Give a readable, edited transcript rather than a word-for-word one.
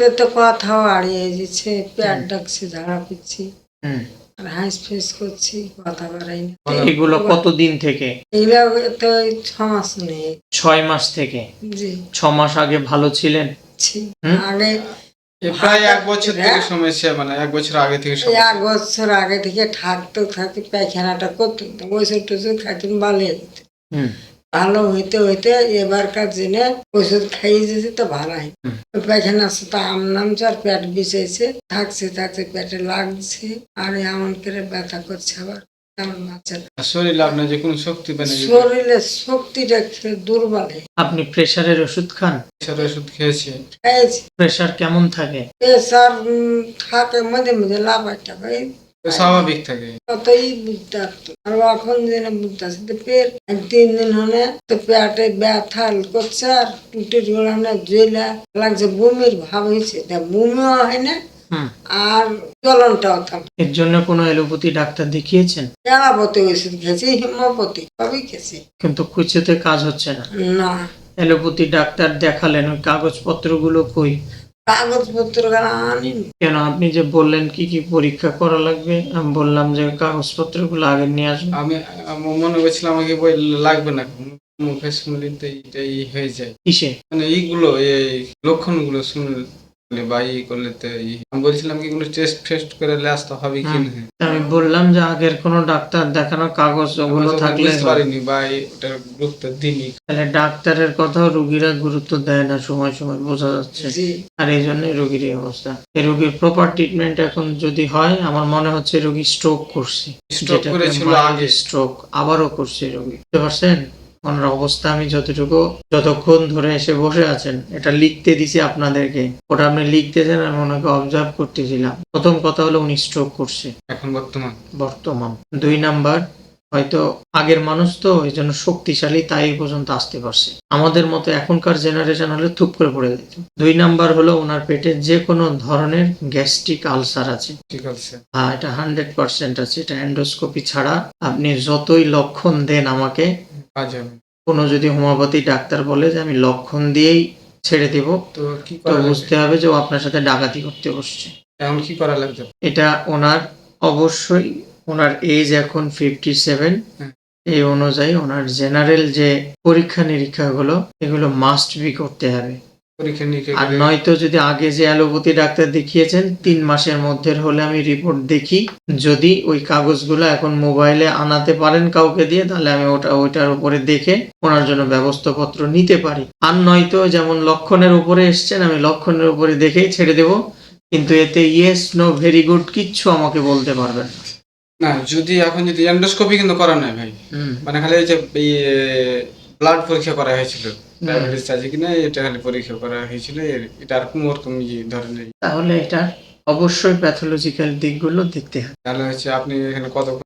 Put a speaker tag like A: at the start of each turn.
A: রাত্রে তো কথাও হারিয়ে যাচ্ছে, পেট ডাকছে, ঝাড়া পিচ্ছি
B: হুম।
A: আর হাঁস ফেস করছি, কথা বাড়াই না।
B: এগুলো কতদিন থেকে?
A: এগুলো তো 6 মাস নেই।
B: 6 মাস থেকে?
A: জি
B: 6 মাস আগে ভালো ছিলেন?
A: ছি।
B: হুম?
A: আগে
C: প্রায় 1 বছর থেকে সমস্যা, মানে 1 বছর আগে থেকে
A: এই
C: সমস্যা।
A: 1 বছর আগে থেকে থাকতে পায়খানাটা করতো, ওষুধ টষুধ খাইতেন, ভালো
B: হুম।
A: ভালো হইতে হইতে এবারকার দিনে ওষুধ খাইয়ে যেতে তো ভালো হয়। পায়খানা তো আম নামছে আর পেট বিষেছে, থাকছে পেটে লাগছে আর এমন করে ব্যথা করছে, আবার তেমন বাচ্চা
C: শরীরে আপনার যে কোনো শক্তি পায় না,
A: শরীরে শক্তিটা দুর্বল হয়ে
B: আপনি প্রেসারের ওষুধ খান?
C: প্রেসারের ওষুধ খেয়েছি।
A: গেছে।
B: প্রেসার কেমন থাকে?
A: প্রেসার থাকে মাঝে মাঝে লাফাটা হয়,
C: স্বাভাবিক থাকে।
A: কতই বুঝতে পারতো। আর এখন যেন বুঝতে আসছে তো পেট 3 দিন হলে তো পেটে ব্যথা করছে আর টুটির গোড়ানে জেলা লাগছে, বমির ভাব হয়েছে, বমিও হয় না
B: হুম।
A: আর জ্বলনটাও থাম।
B: এর জন্য কোনো এলোপ্যাথি ডাক্তার দেখিয়েছেন?
A: এলাপতি ওষুধ খেয়েছি, হিমোপতি সবই খেয়েছি,
B: কিন্তু কিছুতে কাজ হচ্ছে না।
A: না
B: এলোপ্যাথি ডাক্তার দেখালেন, ওই কাগজপত্রগুলো কই?
A: কাগজপত্র আনিনি।
B: কেন? আপনি যে বললেন কি কি পরীক্ষা করা লাগবে, আমি বললাম যে কাগজপত্রগুলো আগে নিয়ে আসুন।
C: আমি মনে করছিলাম আমাকে বই লাগবে না, মুখে শুনলে তো এইটাই হয়ে যায়,
B: কিসে?
C: মানে এইগুলো এই লক্ষণগুলো শুনলে বা করলে তো আমি বলছিলাম কি কোনো টেস্ট ফেস্ট করে আসতে হবে কি না।
B: আমি বললাম যে আগের কোনো ডাক্তার দেখানো কাগজ ওগুলো
C: আমি
B: থাকলে
C: বুঝতে
B: হয়।
C: পারিনি বা ওটার গুরুত্ব দিইনি।
B: তাহলে ডাক্তারের কথাও রোগীরা গুরুত্ব দেয় না, সময় সময় বোঝা যাচ্ছে।
A: জি
B: আর এই জন্যই রোগীর এই অবস্থা। এই রোগীর প্রপার ট্রিটমেন্ট এখন যদি হয়, আমার মনে হচ্ছে রোগী স্ট্রোক করছে,
C: Stroke করেছিল আগে।
B: স্ট্রোক আবারও করছে রোগী। বুঝতে পারছেন ওনার অবস্থা? আমি যতক্ষণ ধরে এসে বসে আছেন, এটা লিখতে দিছি আপনাদেরকে, ওটা আপনি লিখতেছেন, আমি ওনাকে অবজার্ভ করতেছিলাম। প্রথম কথা হলো উনি স্ট্রোক করছে
C: এখন
B: বর্তমান। 2 নাম্বার, হয়তো আগের মানুষ তো এই জন্য শক্তিশালী, তাই এই পর্যন্ত আসতে পারছে। আমাদের মতো এখনকার জেনারেশন হলে থুপ করে পড়ে যেত। 2 নাম্বার হলো ওনার পেটে যে কোনো ধরনের গ্যাস্ট্রিক আলসার আছে।
C: ঠিক আছে।
B: হ্যাঁ, এটা 100% আছে। এটা এন্ডোস্কোপি ছাড়া আপনি যতই লক্ষণ দেন আমাকে,
C: কাজ হবে।
B: কোনো যদি হোমিওপ্যাথি ডাক্তার বলে যে আমি লক্ষণ দিয়েই ছেড়ে দেব,
C: তো কি
B: তো
C: করা
B: বুঝতে হবে যে ও আপনার সাথে ডাকাতি করতে বসছে।
C: এখন কি করা লাগবে?
B: এটা ওনার অবশ্যই, ওনার এজ এখন 57,
C: হুম।
B: এই অনুযায়ী ওনার জেনারেল যে পরীক্ষা নিরীক্ষাগুলো, এগুলো মাস্ট বি করতে হবে।
C: পরীক্ষা নিরীক্ষা
B: আর
C: করে
B: নয়তো যদি আগে যে অ্যালোপ্যাথি ডাক্তার দেখিয়েছেন 3 মাসের মধ্যে হলে আমি রিপোর্ট দেখি, যদি ওই কাগজগুলো এখন মোবাইলে আনাতে পারেন কাউকে দিয়ে, তাহলে আমি ওইটার উপরে দেখে ওনার জন্য ব্যবস্থাপত্র নিতে পারি। আর নয়তো যেমন লক্ষণের উপরে এসছেন, আমি লক্ষণের উপরে দেখেই ছেড়ে দেব, কিন্তু এতে ইয়েস নো ভেরি গুড কিচ্ছু আমাকে বলতে পারবেন না।
C: না। যদি এখন যদি এন্ডোস্কোপি কিন্তু করা নাই ভাই, মানে খালি এই যে ব্লাড পরীক্ষা করা হয়েছিল, ডায়াবেটিস আছে কিনা এটা খালি পরীক্ষা করা হয়েছিল, এটা আর কোনো রকম ধরনের।
B: তাহলে এটা অবশ্যই প্যাথোলজিক্যাল দিকগুলো দেখতে হবে।
C: তাহলে হচ্ছে আপনি এখানে কত